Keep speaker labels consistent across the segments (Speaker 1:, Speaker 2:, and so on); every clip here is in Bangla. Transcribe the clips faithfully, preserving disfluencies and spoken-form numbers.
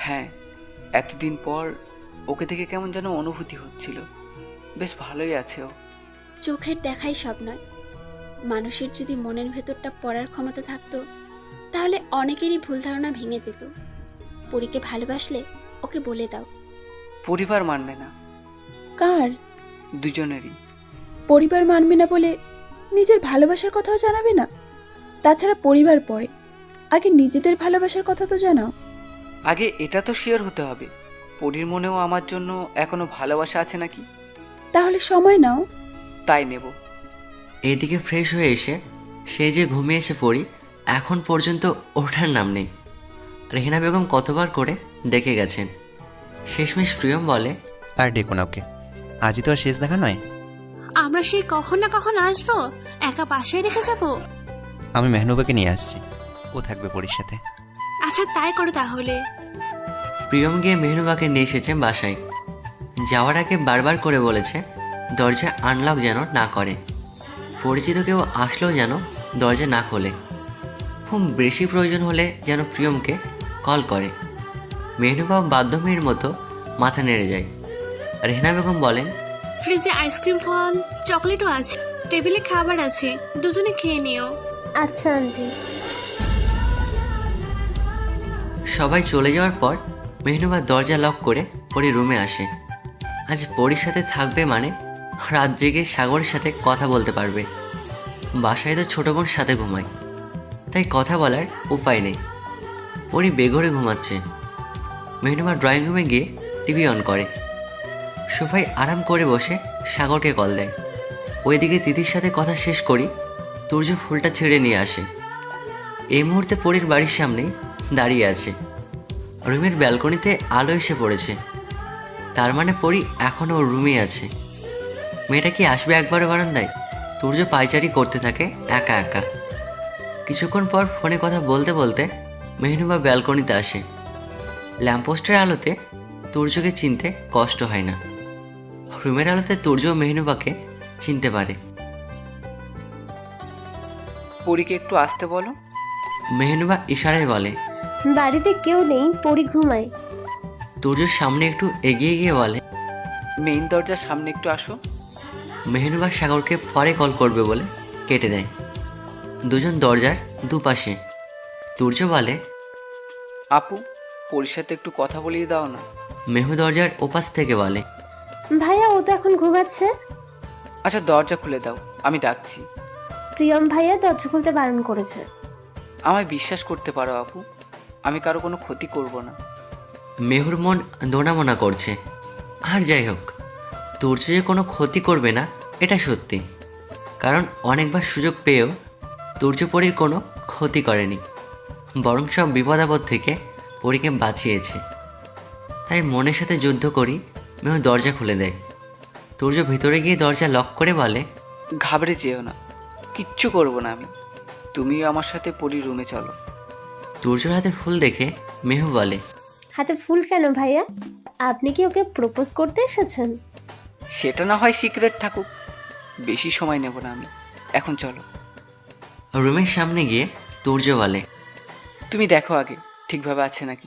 Speaker 1: হ্যাঁ, এতদিন পর ওকে দেখে কেমন যেন অনুভূতি হচ্ছিল। বেশ ভালোই আছে ও।
Speaker 2: চোখের দেখাই সব নয়। মানুষের যদি মনের ভেতরটা পড়ার ক্ষমতা থাকতো, তাহলে অনেকেরই ভুল ধারণা ভেঙে যেত। পরীকে ভালোবাসলে ওকে বলে দাও।
Speaker 1: পরিবার মানবে না।
Speaker 3: কার?
Speaker 1: দুজনেরই।
Speaker 3: পরিবার মানবে না বলে নিজের ভালোবাসার কথাও জানাবে না? তাছাড়া পরিবার পরে, আগে নিজেদের ভালোবাসার কথা তো জানাও।
Speaker 1: আগে এটা তো শিওর হতে হবে পরির মনেও আমার জন্য এখনো ভালোবাসা আছে নাকি।
Speaker 3: তাহলে সময় নাও।
Speaker 1: তাই নেব।
Speaker 4: এইদিকে ফ্রেশ হয়ে এসে সে যে ঘুমিয়েছে পড়ি, এখন পর্যন্ত ওঠার নাম নেই। রেহেনা বেগম কতবার করে ডেকে গেছেন। শেষমেশ প্রিয়ম বলে,
Speaker 5: আর ডেকো না ওকে, আজই তো আর শেষ দেখা নয়।
Speaker 6: আমরা সেই কখন না কখন আসবো, একা বাসায় রেখে যাব?
Speaker 5: আমি মেহনুবাকে নিয়ে আসছি, ও থাকবে পরীর সাথে।
Speaker 6: আচ্ছা তাই করো তাহলে।
Speaker 4: প্রিয়ম গিয়ে মেহনুবাকে নিয়ে এসেছে বাসায়। যাওয়ার আগে বারবার করে বলেছে দরজা আনলক যেন না করে, পরিচিত কেউ আসলেও যেন দরজা না খোলে, খুব বেশি প্রয়োজন হলে যেন প্রিয়মকে কল করে। মেহনুবা বাধ্য মেয়ের মতো মাথা নেড়ে যায়। রেহেনা বেগম বলেন,
Speaker 6: ফ্রিজে আইসক্রিম ফল চকলেটও আছে, টেবিলে খাবার আছে, দুজনে খেয়ে নিও।
Speaker 7: আচ্ছা আন্টি।
Speaker 4: সবাই চলে যাওয়ার পর মেহনুবা দরজা লক করে পরি রুমে আসে। আজ পরির সাথে থাকবে মানে রাত জেগে সাগরের সাথে কথা বলতে পারবে। বাসায় তো ছোটো বোন সাথে ঘুমায়, তাই কথা বলার উপায় নেই। পরি বেঘরে ঘুমাচ্ছে। মেহনুবা ড্রয়িং রুমে গিয়ে টিভি অন করে। সোফায় আরাম করে বসে সাগরকে কল দেয়। ওইদিকে তিথির সাথে কথা শেষ করি তুর্য ফুলটা ছেড়ে নিয়ে আসে। এই মুহূর্তে পরির বাড়ির সামনেই দাঁড়িয়ে আছে। রুমের ব্যালকনিতে আলো এসে পড়েছে, তার মানে পরি এখনও ওর রুমেই আছে। মেয়েটা কি আসবে একবারও বারান্দায়? তুর্য পায়চারি করতে থাকে একা একা। কিছুক্ষণ পর ফোনে কথা বলতে বলতে মেহনুবা ব্যালকনিতে আসে। ল্যাম্পপোস্টের আলোতে তুর্যকে চিনতে কষ্ট হয় না। রুমের আলোতে তুর্য মেহনুবাকে চিনতে পারে।
Speaker 1: পরীকে একটু আসতে বলো।
Speaker 4: মেহনুবা ইশারায় বলে।
Speaker 7: বাড়িতে কেউ নেই, পরি ঘুমায়।
Speaker 4: তুর্যর সামনে একটু এগিয়ে গিয়ে বলে,
Speaker 1: মেইন দরজার সামনে একটু আসো।
Speaker 4: মেহনুবা সাগরকে পরে কল করবে বলে কেটে দেয়। দুজন দরজার দুপাশে। তুর্য বলে,
Speaker 1: আপু, পরীর সাথে একটু কথা বলিয়ে দাও না।
Speaker 4: মেহু দরজার ওপাশ থেকে বলে,
Speaker 7: ভাইয়া ও তো এখন ঘুমাচ্ছে।
Speaker 1: আচ্ছা দরজা খুলে দাও, আমি ডাকছি।
Speaker 7: প্রিয়ম ভাইয়া দরজা খুলতে বারণ করেছে।
Speaker 1: আমায় বিশ্বাস করতে পারো আপু, আমি কারো কোনো ক্ষতি করব না।
Speaker 4: মেহুর মন দোনামোনা করছে। আর যাই হোক, তুর্য যে কোনো ক্ষতি করবে না এটা সত্যি, কারণ অনেকবার সুযোগ পেয়েও তুর্য পরীর কোনো ক্ষতি করেনি, বরং সব বিপদ আপদ থেকে পরীকে বাঁচিয়েছে। তাই মনের সাথে যুদ্ধ করি মেহু দরজা খুলে দেয়। তুর্য ভিতরে গিয়ে দরজা লক করে বলে,
Speaker 1: ঘাবড়ে যেও না, কিচ্ছু করব না আমি। তুমিও আমার সাথে পরী রুমে চলো।
Speaker 4: তুর্যর হাতে ফুল দেখে মেহু বলে,
Speaker 7: হাতে ফুল কেন ভাইয়া? আপনি কি ওকে প্রপোজ করতে এসেছেন?
Speaker 1: সেটা না হয় সিক্রেট থাকুক, বেশি সময় নেব না আমি, এখন চলো।
Speaker 4: রুমের সামনে গিয়ে তুর্য বলে,
Speaker 1: তুমি দেখো আগে ঠিকভাবে আছে নাকি।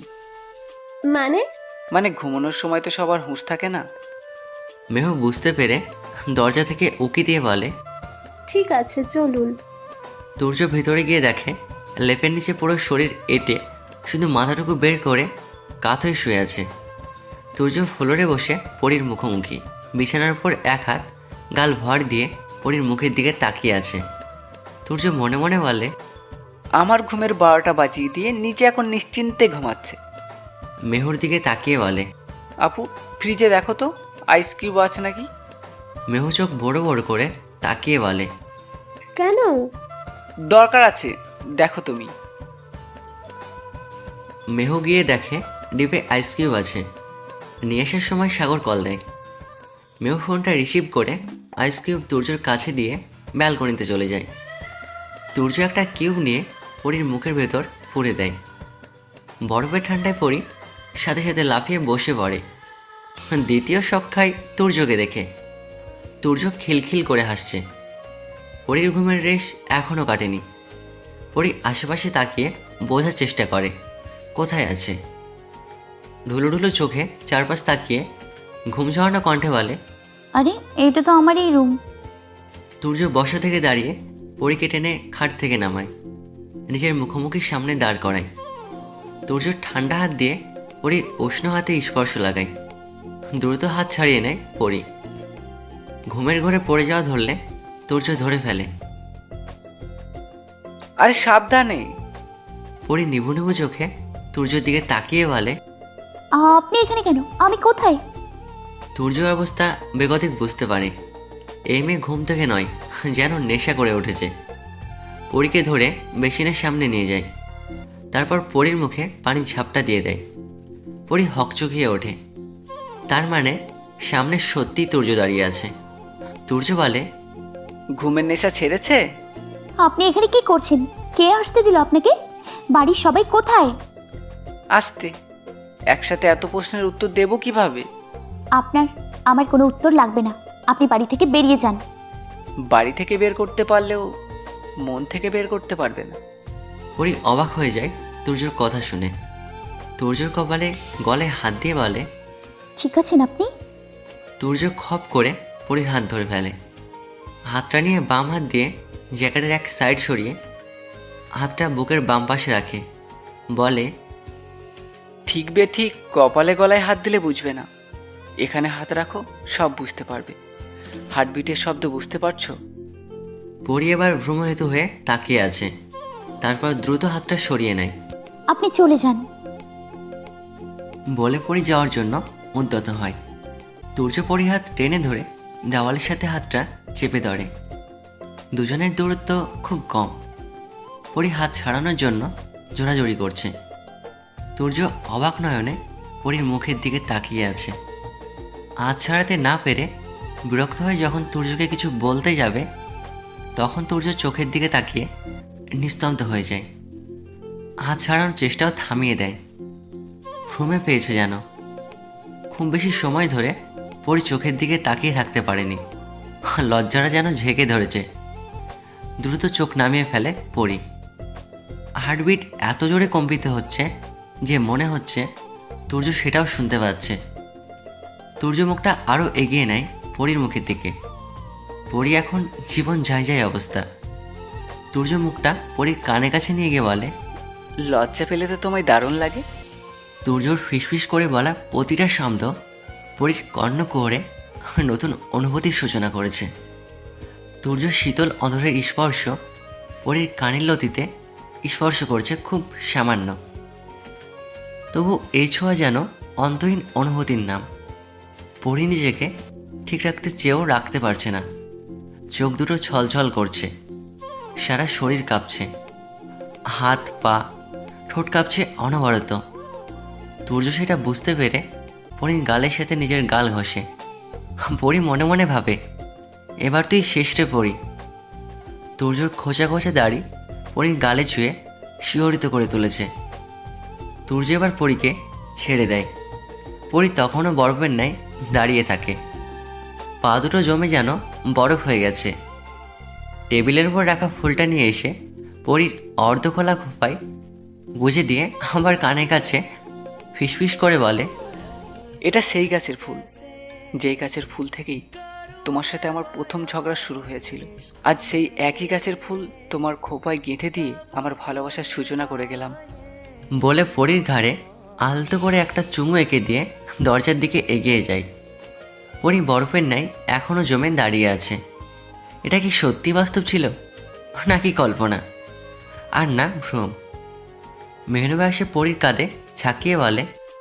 Speaker 7: মানে?
Speaker 1: মানে ঘুমানোর সময় তো সবার হুঁশ থাকে না।
Speaker 4: মেহু বুঝতে পেরে দরজা থেকে উকি দিয়ে বলে,
Speaker 7: ঠিক আছে চলুন।
Speaker 4: তুর্য ভিতরে গিয়ে দেখে লেপের নিচে পুরো শরীর এঁটে শুধু মাথাটুকু বের করে কাত হয়ে শুয়ে আছে। তুর্য ফ্লোরে বসে পরীর মুখোমুখি, বিছানার উপর এক হাত গাল ভর দিয়ে পরীর মুখের দিকে তাকিয়ে আছে। তুর্য মনে মনে বলে,
Speaker 1: আমার ঘুমের বারোটা বাজিয়ে দিয়ে নিচে এখন নিশ্চিন্তে ঘুমাচ্ছে।
Speaker 4: মেহুর দিকে তাকিয়ে বলে,
Speaker 1: আপু, ফ্রিজে দেখো তো আইসক্রিম আছে নাকি।
Speaker 4: মেহু চোখ বড় বড় করে তাকিয়ে বলে,
Speaker 7: কেন?
Speaker 1: দরকার আছে, দেখো তুমি।
Speaker 4: মেহু গিয়ে দেখে ডিপে আইসক্রিম আছে। নিয়ে আসার সময় সাগর কল দেয়। মেহু ফোনটা রিসিভ করে আইসক্রিম তুর্যর কাছে দিয়ে ব্যালকনিতে চলে যায়। তুর্য একটা কিউব নিয়ে পরীর মুখের ভেতর পুড়ে দেয়। বরফের ঠান্ডায় পরি সাথে সাথে লাফিয়ে বসে পড়ে। দ্বিতীয় শখ খায় তুর্যকে দেখে। তুর্য খিলখিল করে হাসছে। পরীর ঘুমের রেশ এখনও কাটেনি। পরি আশেপাশে তাকিয়ে বোঝার চেষ্টা করে কোথায় আছে। ঢুলু ঢুলু চোখে চারপাশ তাকিয়ে ঘুম ঝরানো কণ্ঠে বলে,
Speaker 8: আরে এটা তো আমারই রুম।
Speaker 4: তুর্য বসা থেকে দাঁড়িয়ে পরীকে টেনে খাট থেকে নামায়, নিজের মুখোমুখি সামনে দাঁড় করায়। তুর্য ঠান্ডা হাত দিয়ে পরীর উষ্ণ হাতে স্পর্শ লাগায়। দ্রুত হাত ছাড়িয়ে নেয় পরী। ঘুমের ঘরে পড়ে যাওয়া ধরলে তুর্য ধরে ফেলে।
Speaker 1: আরে সাবধানে।
Speaker 4: পরী নিভু নিভু চোখে তুর্যর দিকে তাকিয়ে বলে,
Speaker 8: আপনি এখানে কেন? আমি কোথায়?
Speaker 4: তুর্যর অবস্থা বেগতিক বুঝতে পারে। এই মেয়ে ঘুম থেকে নয়, যেন নেশা করে উঠেছে। পরীকে ধরে বেসিনের সামনে নিয়ে যায়। তারপর পরীর মুখে পানি ঝাপটা দিয়ে দেয়। পরী হকচকিয়ে ওঠে। তার মানে সামনে সত্যি তুর্য দাঁড়িয়ে আছে। তুর্য বলে,
Speaker 1: ঘুমের নেশা ছেড়েছে?
Speaker 8: আপনি এখানে কি করছেন? কে আসতে দিল আপনাকে? বাড়ির সবাই কোথায়?
Speaker 1: আসতে একসাথে এত প্রশ্নের উত্তর দেব কিভাবে?
Speaker 8: আপনার আমার কোনো উত্তর লাগবে না। আপনি বাড়ি থেকে বেরিয়ে যান।
Speaker 1: বাড়ি থেকে বের করতে পারলেও মন থেকে বের করতে পারবে না।
Speaker 4: পরী অবাক হয়ে যায় তুর্যর কথা শুনে। তুর্যর কপালে গলায় হাত দিয়ে বলে,
Speaker 8: ঠিক আছেন আপনি?
Speaker 4: তুর্য খপ করে পরীর হাত ধরে ফেলে। হাতটা নিয়ে বাম হাত দিয়ে জ্যাকেটের এক সাইড সরিয়ে হাতটা বুকের বাম পাশে রাখে। বলে,
Speaker 1: ঠিক বে ঠিক কপালে গলায় হাত দিলে বুঝবে না। এখানে হাত রাখো, সব বুঝতে পারবে। হার্টবিটের শব্দ বুঝতে পারছো?
Speaker 4: পরী এবার ভ্রমহেতু হয়ে তাকিয়ে আছে। তারপর দ্রুত হাতটা সরিয়ে নেয়।
Speaker 8: আপনি চলে যান।
Speaker 4: বলে পরী যাওয়ার জন্য উদ্যত হয়। তুর্য পরীর হাত টেনে ধরে দেওয়ালের সাথে হাতটা চেপে ধরে। দুজনের দূরত্ব খুব কম। পরী হাত ছাড়ানোর জন্য জোরাজোরি করছে। তুর্য অবাক নয়নে পরীর মুখের দিকে তাকিয়ে আছে। হাত ছাড়াতে না পেরে বিরক্ত হয়ে যখন তুর্যকে কিছু বলতে যাবে, তখন তুর্য চোখের দিকে তাকিয়ে নিস্তব্ধ হয়ে যায়। হাত ছাড়ানোর চেষ্টাও থামিয়ে দেয়। ঘুমে পেয়েছে যেন। খুব বেশি সময় ধরে পরী চোখের দিকে তাকিয়ে থাকতে পারেনি। লজ্জাটা যেন ঝেঁকে ধরেছে। দ্রুত চোখ নামিয়ে ফেলে পরী। হার্টবিট এত জোরে কম্পিত হচ্ছে যে মনে হচ্ছে তুর্য সেটাও শুনতে পাচ্ছে। তুর্য মুখটা আরও এগিয়ে নেয় পরীর মুখের দিকে। পরী এখন জীবন যায় যায় অবস্থা। তুর্য মুখটা পরীর কানে কাছে নিয়ে গিয়ে বলে,
Speaker 1: লজ্জা পেলে তো তোমায় দারুণ লাগে।
Speaker 4: তুর্যর ফিসফিস করে বলা প্রতিটা শব্দ পরীর কর্ণকুহরে নতুন অনুভূতির সূচনা করেছে। তুর্য শীতল অধরের স্পর্শ পরীর কানের লতিতে স্পর্শ করছে খুব সামান্য। তবু এই ছোঁয়া যেন অন্তহীন অনুভূতির নাম। পরী নিজেকে ঠিক রাখতে চেয়েও রাখতে পারছে না। চোখ দুটো ছলছল করছে, সারা শরীর কাঁপছে, হাত পা ঠোঁট কাঁপছে অনবরত। তুর্য সেটা বুঝতে পেরে পরীর গালের সাথে নিজের গাল ঘষে। পরী মনে মনে ভাবে, এবার তুই শেষরে পড়ি। তুর্যর খোঁচা খোঁচা দাড়ি পরীর গালে ছুঁয়ে শিহরিত করে তুলেছে। তুর্য এবার পরীকে ছেড়ে দেয়। পরী তখনও বরফের ন্যায় দাঁড়িয়ে থাকে। পা দুটো জমে যেন বরফ হয়ে গেছে। টেবিলের উপর রাখা ফুলটা নিয়ে এসে পরীর অর্ধখোলা খোপায় গুজে দিয়ে আবার কানের কাছে ফিসফিস করে বলে,
Speaker 1: এটা সেই গাছের ফুল, যেই গাছের ফুল থেকেই তোমার সাথে আমার প্রথম ঝগড়া শুরু হয়েছিল। আজ সেই একই গাছের ফুল তোমার খোপায় গেঁথে দিয়ে আমার ভালোবাসার সূচনা করে গেলাম।
Speaker 4: বলে পরীর ঘাড়ে আলতো করে একটা চুমু এঁকে দিয়ে দরজার দিকে এগিয়ে যায়। পরী বরফের ন্যায় এখনও জমে দাঁড়িয়ে আছে। এটা কি সত্যি বাস্তব ছিল নাকি কল্পনা? আর না ভ্রম। মেহনুবা এসে পরীর কাঁধে ঝাঁকিয়ে বলে,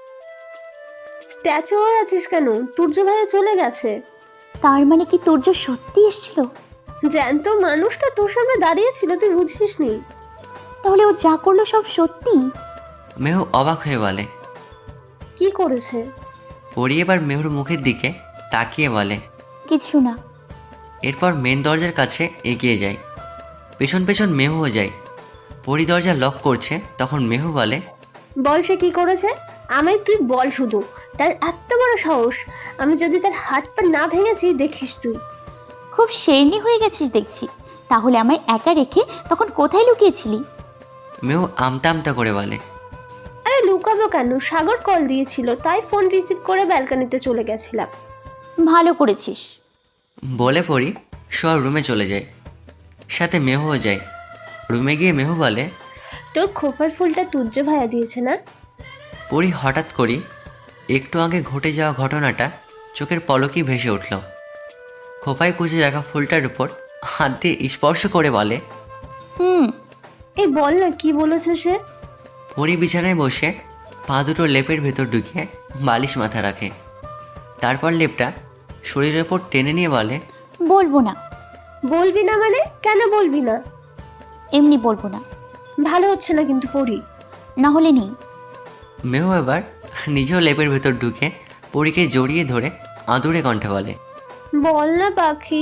Speaker 7: স্ট্যাচু হয়ে আছিস কেন? তুর্য ভাইয়া চলে গেছে।
Speaker 8: তার মানে কি তুর্য সত্যি এসেছিল?
Speaker 7: জ্যান্ত মানুষটা তোর সামনে দাঁড়িয়ে ছিল, তুই বুঝিসনি?
Speaker 8: তাহলে ও যা করলো সব সত্যি?
Speaker 4: মেহু অবাক হয়ে বলে।
Speaker 7: কি করেছে?
Speaker 4: পরী এবার মেহুর মুখের দিকে তাকিয়ে বলে,
Speaker 8: কিছু না।
Speaker 4: এরপর মেন দরজার কাছে এগিয়ে যায়। পেছন পেছন মেহুও যায়। পরী দরজা লক করছে, তখন মেহু বলে,
Speaker 7: বল সে কি করেছে? আমায় তুই বল শুধু। তার এত বড় সাহস! আমি যদি তার হাত পা না ভেঙেছি, দেখিস তুই।
Speaker 8: খুব শেরনি হয়ে গেছিস দেখছি। তাহলে আমায় একা রেখে তখন কোথায় লুকিয়েছিলি?
Speaker 4: মেহু আমতা আমতা করে বলে,
Speaker 7: আরে লুকাবো কেন, সাগর কল দিয়েছিল তাই ফোন রিসিভ করে ব্যালকনিতে চলে গেছিলাম।
Speaker 8: ভালো করেছিস।
Speaker 4: বলে পড়ি সব রুমে চলে যায়, সাথে মেহুও যায়। রুমে গিয়ে মেহু বলে,
Speaker 7: তোর খোপার ফুলটা তুর্য ভাইয়া দিয়েছে না?
Speaker 4: পরি হঠাৎ করি একটু আগে ঘটে যাওয়া ঘটনাটা চোখের পলকেই ভেসে উঠল। খোপায় কুচে রাখা ফুলটার উপর হাত দিয়ে স্পর্শ করে বলে,
Speaker 8: হুম।
Speaker 7: এই বল না কি বলেছে সে।
Speaker 4: পরি বিছানায় বসে পা দুটো লেপের ভেতর ঢুকিয়ে বালিশ মাথা রাখে। তারপর লেপটা শরীরের ওপর টেনে নিয়ে বলে,
Speaker 8: বলবো না।
Speaker 7: বলবি না মানে? কেন বলবি না?
Speaker 8: এমনি বলবো না।
Speaker 7: ভালো হচ্ছে না কিন্তু পড়ি।
Speaker 8: না হলে নেই।
Speaker 4: মেহু এবার নিজেও লেপের ভেতর ঢুকে পরীকে জড়িয়ে ধরে আদুরে কণ্ঠে বলে,
Speaker 7: বল না পাখি।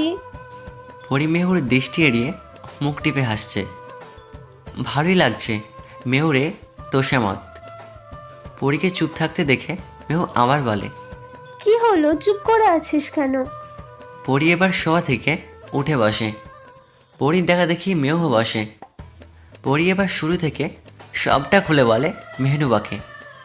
Speaker 4: পরি মেহুর দৃষ্টি এড়িয়ে মুখ টিপে হাসছে। ভালোই লাগছে মেহুরে তোষামত। পরীকে চুপ থাকতে দেখে মেহু আবার বলে,
Speaker 7: কি হলো, চুপ করে আছিস কেন?
Speaker 4: পরি এবার শোয়া থেকে উঠে বসে। পরির দেখা দেখি মেহু বসে। পরি এবার শুরু থেকে সবটা খুলে বলে মেহনুবাকে।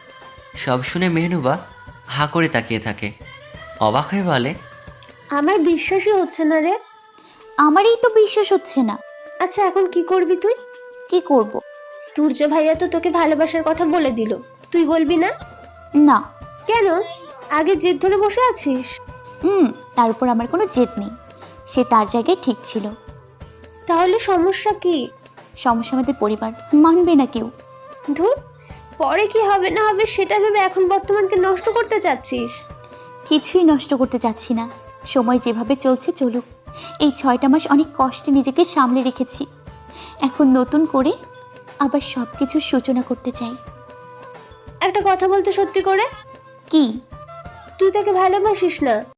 Speaker 4: সব শুনে মেহনুবা হা করে তাকিয়ে থাকে। অবাক হয়ে বলে,
Speaker 7: আমার বিশ্বাসই হচ্ছে না রে।
Speaker 8: আমারই তো বিশ্বাস হচ্ছে না।
Speaker 7: আচ্ছা এখন কি করবি তুই?
Speaker 8: কি করব?
Speaker 7: তুর্য ভাইয়া তো তোকে ভালোবাসার কথা বলে দিল, তুই বলবি না?
Speaker 8: না।
Speaker 7: কেন? আগে জেদ ধরে বসে আছিস?
Speaker 8: হুম, তার উপর আমার কোনো জেদ নেই। সে তার জায়গায় ঠিক ছিল।
Speaker 7: তাহলে সমস্যা কি?
Speaker 8: সমস্যা আমাদের পরিবার মানবে না কেউ।
Speaker 7: ধুর, পরে কি হবে না হবে সেটা ভেবে এখন বর্তমানকে নষ্ট করতে চাচ্ছিস।
Speaker 8: কিছুই নষ্ট করতে চাচ্ছি না। সময় যেভাবে চলছে চলুক। এই ছয়টা মাস অনেক কষ্টে নিজেকে সামলে রেখেছি। এখন নতুন করে আবার সব কিছুর সূচনা করতে চাই।
Speaker 7: একটা কথা বলতে সত্যি করে,
Speaker 8: কি?
Speaker 7: তুই তাকে ভালোবাসিস না?